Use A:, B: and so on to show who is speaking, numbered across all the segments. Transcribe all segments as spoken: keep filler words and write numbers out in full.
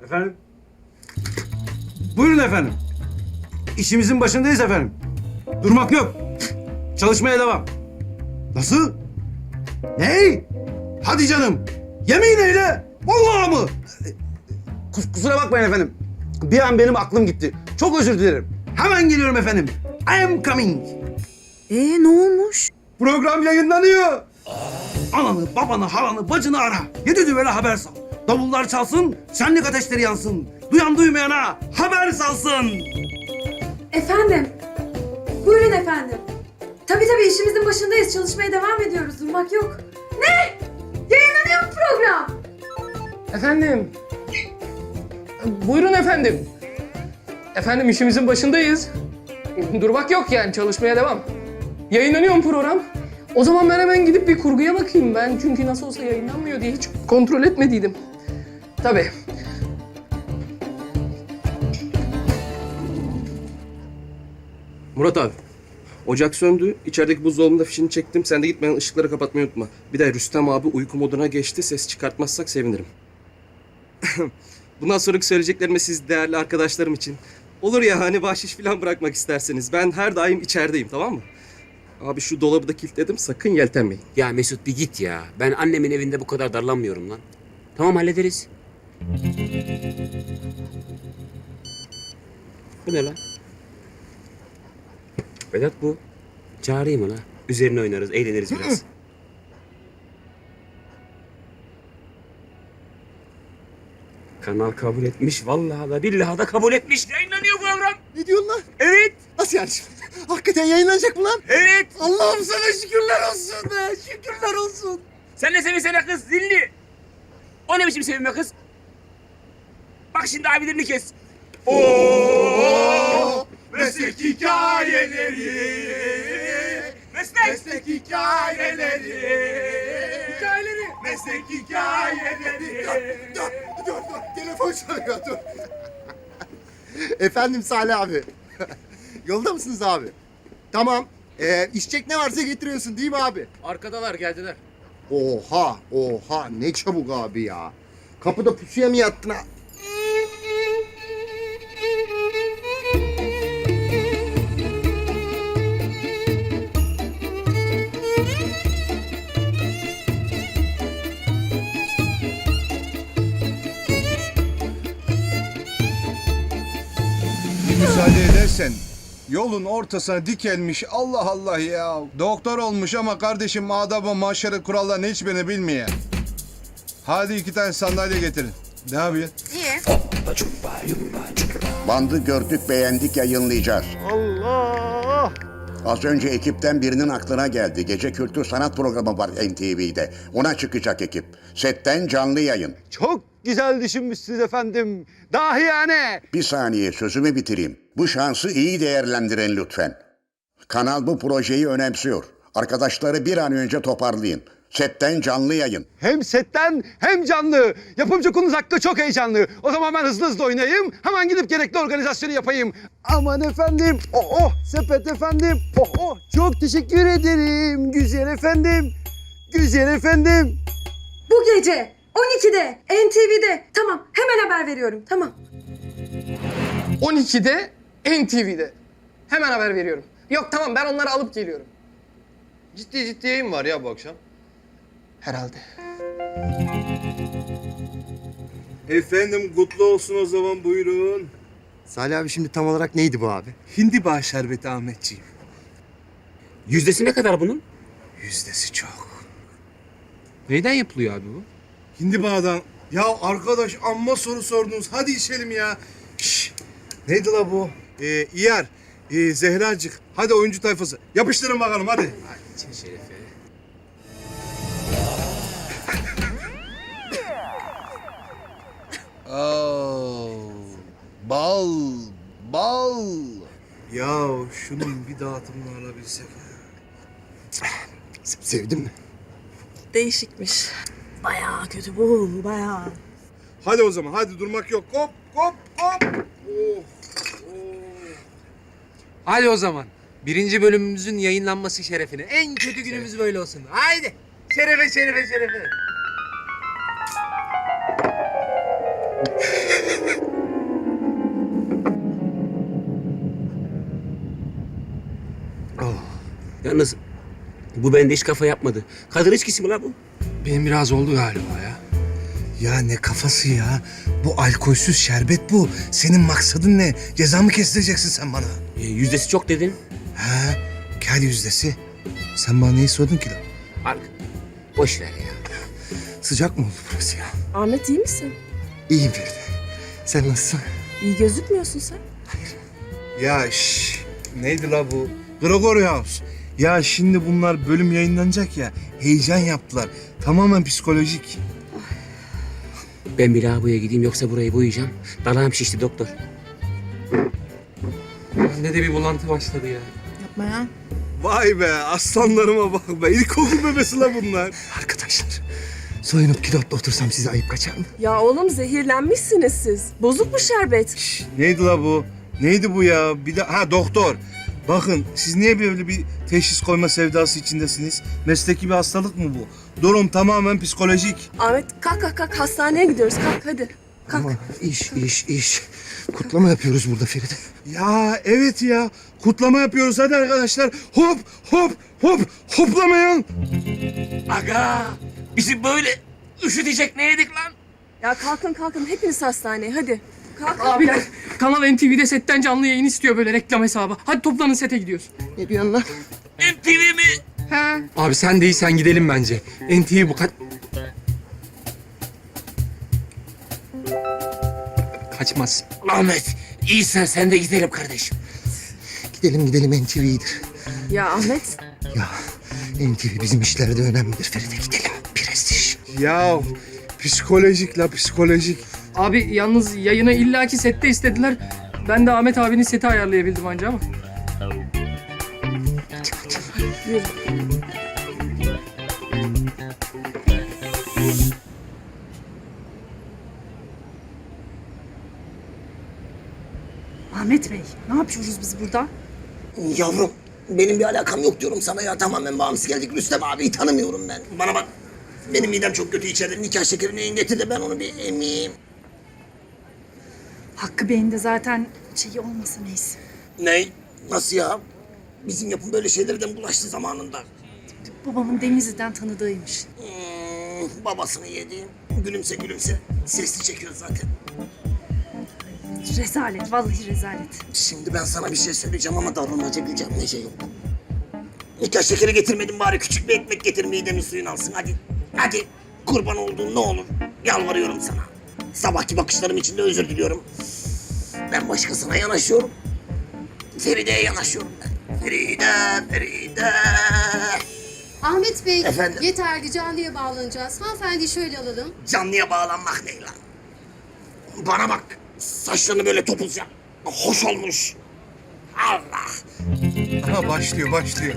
A: Efendim? Buyurun efendim. İşimizin başındayız efendim. Durmak yok. Çalışmaya devam. Nasıl? Ne? Hadi canım. Yemin eyle. Vallahi mı? Kus- kusura bakmayın efendim. Bir an benim aklım gitti. Çok özür dilerim. Hemen geliyorum efendim. I am coming.
B: Ee ne olmuş?
A: Program yayınlanıyor. Ananı, babanı, halanı, bacını ara. Yedi düvele haber sal. Davullar çalsın, şenlik ateşleri yansın. Duyan duymayana haber salsın.
C: Efendim. Buyurun efendim. Tabii tabii işimizin başındayız. Çalışmaya devam ediyoruz. Durmak yok. Ne? Yayınlanıyor mu program?
D: Efendim. Buyurun efendim. Efendim işimizin başındayız. Durmak yok yani çalışmaya devam. Yayınlanıyor mu program? O zaman ben hemen gidip bir kurguya bakayım ben. Çünkü nasıl olsa yayınlanmıyor diye hiç kontrol etmediydim. Tabii.
E: Murat abi, ocak söndü. İçerideki buzdolabında fişini çektim. Sen de gitmeden ışıkları kapatmayı unutma. Bir de Rüstem abi uyku moduna geçti. Ses çıkartmazsak sevinirim. Bundan sonraki söyleyeceklerime siz değerli arkadaşlarım için. Olur ya hani bahşiş falan bırakmak isterseniz. Ben her daim içerideyim, tamam mı? Abi şu dolabı da kilitledim. Sakın yeltenmeyin.
F: Ya Mesut bir git ya. Ben annemin evinde bu kadar darlanmıyorum lan. Tamam hallederiz. Bu ne lan? Vedat bu. Çağırayım mı lan? Üzerine oynarız, eğleniriz biraz. Kanal kabul etmiş. Vallahi da billahi da kabul etmiş. Yayınlanıyor program.
G: Ne diyorsun lan?
F: Evet.
G: Nasıl yani şimdi? Hakikaten yayınlanacak mı lan?
F: Evet.
G: Allah'ım sana şükürler olsun be. Şükürler olsun.
F: Sen ne sevinsene kız zilli. O ne biçim sevinme kız? Bak şimdi abilerini kes.
G: Oo, meslek hikayeleri.
F: Meslek.
G: Meslek hikayeleri. Hikayeleri. Meslek hikayeleri. Dur, dur, dur, dur. Telefon çalıyor, dur. Efendim Salih abi. Yolda mısınız abi? Tamam. Ee, içecek ne varsa getiriyorsun değil mi abi?
D: Arkadalar geldiler.
G: Oha, oha. Ne çabuk abi ya. Kapıda pusuya mı yattın ha?
H: Müsaade edersen yolun ortasına dikelmiş Allah Allah ya. Doktor olmuş ama kardeşim adabı maşarı kurallarını hiçbirini bilmiyor. Hadi iki tane sandalye getirin. Ne yapıyorsun?
I: Bandı gördük, beğendik, yayınlayacağız.
G: Allah!
I: Az önce ekipten birinin aklına geldi. Gece kültür sanat programı var N T V'de. Ona çıkacak ekip. Setten canlı yayın.
A: Çok güzel düşünmüşsünüz efendim. Dahi yani.
I: Bir saniye sözümü bitireyim. Bu şansı iyi değerlendirin lütfen. Kanal bu projeyi önemsiyor. Arkadaşları bir an önce toparlayın. Setten canlı yayın.
A: Hem setten hem canlı. Yapımcı konumuz hakkı çok heyecanlı. O zaman ben hızlı hızlı oynayayım. Hemen gidip gerekli organizasyonu yapayım. Aman efendim. Oh oh sepet efendim. Oh oh çok teşekkür ederim. Güzel efendim. Güzel efendim.
C: Bu gece on ikide N T V'de. Tamam hemen haber veriyorum. Tamam.
D: on ikide N T V'de. Hemen haber veriyorum. Yok tamam ben onları alıp geliyorum.
G: Ciddi ciddi yayın var ya bu akşam.
D: Herhalde.
H: Efendim kutlu olsun o zaman buyurun.
G: Salih abi şimdi tam olarak neydi bu abi?
H: Hindiba şerbeti Ahmetciğim.
F: Yüzdesi ne kadar bunun?
H: Yüzdesi çok.
D: Neyden yapılıyor abi bu?
H: Hindiba'dan. Ya arkadaş amma soru sordunuz. Hadi içelim ya. Şş, neydi la bu? Ee, İyer. Ee, Zehracık. Hadi oyuncu tayfası. Yapıştırın bakalım hadi.
F: İçin şerefe.
H: Oo, bal, bal. Ya şunun bir dağıtımını alabilsek.
G: Sevdin mi?
B: Değişikmiş. Bayağı kötü bu, bayağı.
H: Hadi o zaman hadi durmak yok. Hop hop hop. Oh, oh.
J: Hadi o zaman. Birinci bölümümüzün yayınlanması şerefine. En kötü günümüz böyle olsun. Haydi. Şerefe, şerefe, şerefe.
F: Yalnız bu bende hiç kafa yapmadı. Kadın içkisi mi la bu?
J: Benim biraz oldu galiba ya.
A: Ya ne kafası ya? Bu alkolsüz şerbet bu. Senin maksadın ne? Ceza mı kestireceksin sen bana?
F: E, yüzdesi çok dedin.
A: Ha? Kel yüzdesi. Sen bana neyi sordun ki lan?
F: Al. Boş ver ya.
A: Sıcak mı oldu burası ya?
B: Ahmet iyi misin?
A: İyiyim Feride. Sen nasılsın?
B: İyi gözükmüyorsun sen.
A: Ya şş, neydi la bu? Gregory House. Ya şimdi bunlar bölüm yayınlanacak ya. Heyecan yaptılar. Tamamen psikolojik.
F: Ben bir lavaboya gideyim yoksa burayı boyayacağım. Dalağım şişti doktor.
J: Bende de bir bulantı başladı ya.
B: Yapma ya.
A: Vay be aslanlarıma bak be. İlkokul bebesi la bunlar. Arkadaşlar soyunup kilotla otursam size ayıp kaçar mı?
B: Ya oğlum zehirlenmişsiniz siz. Bozuk mu şerbet?
A: Şş, neydi la bu? Neydi bu ya? Bir de ha doktor. Bakın siz niye böyle bir teşhis koyma sevdası içindesiniz? Mesleki bir hastalık mı bu? Durum tamamen psikolojik.
B: Ahmet kalk kalk kalk hastaneye gidiyoruz kalk hadi. Kalk.
A: Ama iş iş iş. Kutlama yapıyoruz burada Feride. Ya evet ya. Kutlama yapıyoruz hadi arkadaşlar. Hop hop hop hoplamayın.
F: Aga! Bizi böyle üşütecek ne yedik lan?
B: Ya kalkın kalkın hepiniz hastaneye hadi. Kalk.
D: Abiler, Kanal N T V'de setten canlı yayın istiyor böyle reklam hesabı. Hadi toplanın sete gidiyoruz.
A: Ne diyorsun lan?
F: M T V mi?
D: He.
J: Abi sen değilsen gidelim bence. N T V bu kaç... Kaçmaz.
F: Ahmet, iyisen sen de gidelim kardeşim.
A: Gidelim gidelim N T V'dir.
B: Ya Ahmet.
A: Ya N T V bizim işlerde önemlidir Feride gidelim. Prestij. Ya psikolojik la psikolojik.
D: Abi yalnız yayını illaki sette istediler. Ben de Ahmet abinin seti ayarlayabildim anca ama.
B: Yürü.
C: Ahmet Bey, ne yapıyoruz biz burada?
K: Yavrum benim bir alakam yok diyorum sana ya, tamamen bağımsız geldik. Rüstem abiyi tanımıyorum ben. Bana bak, benim midem çok kötü içeride, nikah şekerini ingetir de ben onu bir emeyim.
C: Hakkı Bey'in de zaten şeyi olmasa neyse.
K: Ne? Nasıl ya? Bizim yapım böyle şeylerden bulaştı zamanında.
C: Babamın Denizli'den tanıdığıymış.
K: Hmm, babasını yedi. Gülümse gülümse. Sesli çekiyor zaten.
C: Rezalet, vallahi rezalet.
K: Şimdi ben sana bir şey söyleyeceğim ama davranmaca güleceğim, ne şey yok. Nikah şekeri getirmedim, bari küçük bir ekmek getir, midemin suyunu alsın hadi. Hadi kurban olduğum ne olur, yalvarıyorum sana. Sabahki bakışlarım için de özür diliyorum. Ben başkasına yanaşıyorum. Feride'ye yanaşıyorum ben. Feride, Feride.
L: Ahmet Bey,
K: Efendim?
L: yeterli canlıya bağlanacağız. Hanımefendi şöyle alalım.
K: Canlıya bağlanmak ne lan? Bana bak, saçlarını böyle topuz yap. Hoş olmuş. Allah.
H: Aha başlıyor başlıyor.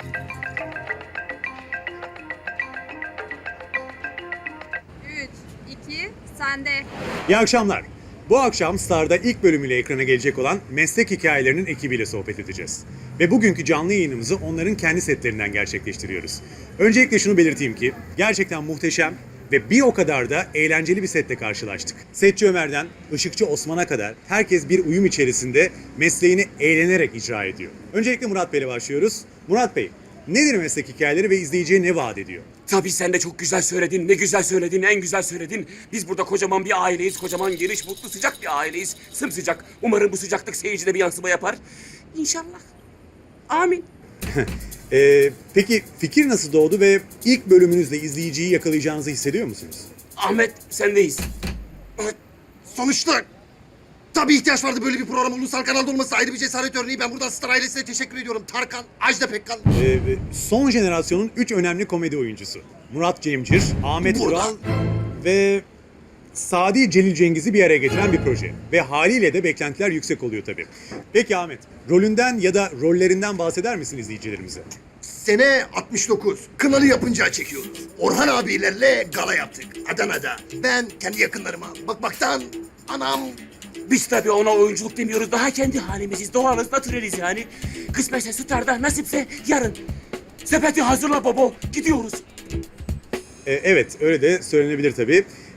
C: Üç, iki, sende.
M: İyi akşamlar. Bu akşam Star'da ilk bölümüyle ekrana gelecek olan Meslek Hikayelerinin ekibiyle sohbet edeceğiz. Ve bugünkü canlı yayınımızı onların kendi setlerinden gerçekleştiriyoruz. Öncelikle şunu belirteyim ki gerçekten muhteşem ve bir o kadar da eğlenceli bir setle karşılaştık. Setçi Ömer'den Işıkçı Osman'a kadar herkes bir uyum içerisinde mesleğini eğlenerek icra ediyor. Öncelikle Murat Bey'le başlıyoruz. Murat Bey, nedir meslek hikayeleri ve izleyiciye ne vaat ediyor?
F: Tabii sen de çok güzel söyledin, ne güzel söyledin, en güzel söyledin. Biz burada kocaman bir aileyiz, kocaman geniş, mutlu, sıcak bir aileyiz. Sımsıcak. Umarım bu sıcaklık seyircide bir yansıma yapar. İnşallah. Amin.
M: Ee, peki fikir nasıl doğdu ve ilk bölümünüzde izleyiciyi yakalayacağınızı hissediyor musunuz?
F: Ahmet, sendeyiz.
K: Sonuçta tabii ihtiyaç vardı, böyle bir program ulusal kanalda olması ayrı bir cesaret örneği. Ben buradan Star ailesine teşekkür ediyorum. Tarkan, Ajda Pekkan.
M: Ee, son jenerasyonun üç önemli komedi oyuncusu. Murat Cemcir, Ahmet
K: Burada.
M: Ural ve Sadi Celil Cengiz'i bir araya getiren bir proje. Ve haliyle de beklentiler yüksek oluyor tabii. Peki Ahmet, rolünden ya da rollerinden bahseder misin izleyicilerimize?
K: Sene altmış dokuz. Kınalı yapınca çekiyoruz. Orhan abilerle gala yaptık Adana'da. Ben kendi yakınlarıma bakmaktan anam.
F: Biz tabii ona oyunculuk demiyoruz. Daha kendi halimiziz. Doğalız, natüreliz yani. Kısmetse Star'da, nasipse yarın. Sepeti hazırla baba. Gidiyoruz.
M: Ee, evet, öyle de söylenebilir tabii.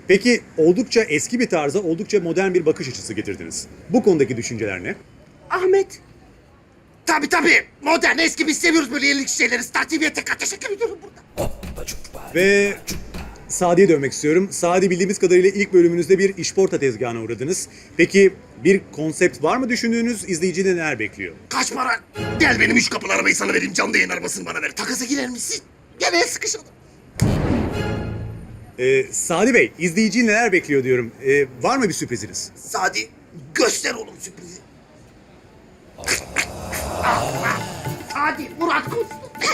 M: Peki oldukça eski bir tarza oldukça modern bir bakış açısı getirdiniz. Bu konudaki düşünceler ne?
K: Ahmet. Tabii tabii. Modern, eski biz seviyoruz böyle yenilik şeyleri. Star T V'ye tekrar teşekkür ediyorum burada.
M: Ve Sadi'ye dönmek istiyorum. Sadi, bildiğimiz kadarıyla ilk bölümünüzde bir işporta tezgahına uğradınız. Peki bir konsept var mı düşündüğünüz? İzleyici de neler bekliyor?
K: Kaç para? Gel benim üç kapılı arabayı sana vereyim. Canlı yayın arabasını bana ver. Takasa girer misin? Gel el sıkışalım.
M: Ee, Sadi Bey, izleyici neler bekliyor diyorum. Ee, var mı bir sürpriziniz?
K: Sadi göster oğlum sürprizi. Hadi Murat Kustu.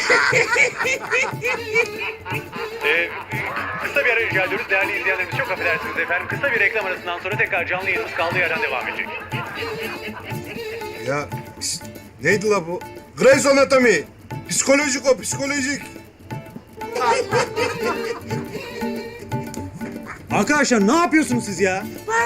N: Ee, kısa bir ara rica ediyoruz. Değerli izleyenlerimiz, çok affedersiniz efendim. Kısa bir reklam arasından sonra tekrar canlı yayınımız kaldığı yerden devam edecek.
H: Ya pis- neydi la bu? Grey's Anatomy. Psikolojik o, psikolojik.
A: Arkadaşlar ne yapıyorsunuz siz ya?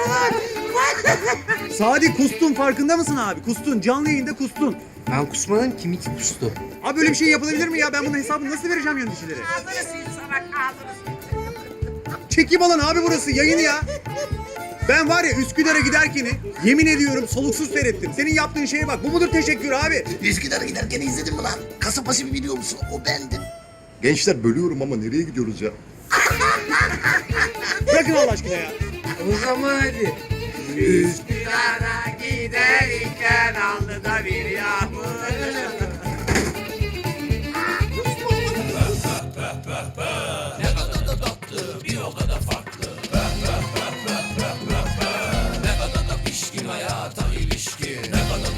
A: Sadi kustun, farkında mısın abi? Kustun, canlı yayında kustun.
J: Ben kusmadım, kim iki kustu?
A: Abi böyle bir şey yapılabilir mi ya? Ben bunun hesabını nasıl vereceğim yöneticilere?
K: Ağzını sil salak ağzını sil.
A: Çekim alan abi burası, yayını ya. Ben var ya Üsküdar'a giderken yemin ediyorum soluksuz seyrettim. Senin yaptığın şeye bak. Bu mudur teşekkür abi?
K: Üsküdar'a giderken izledin mi lan? Kasapbaşı bir biliyor musun? O bendim.
G: Gençler bölüyorum ama nereye gidiyoruz ya?
A: Bırakın Allah aşkına ya.
J: O zaman hadi.
K: Üsküdar'a giderken aldı da bir yağmur.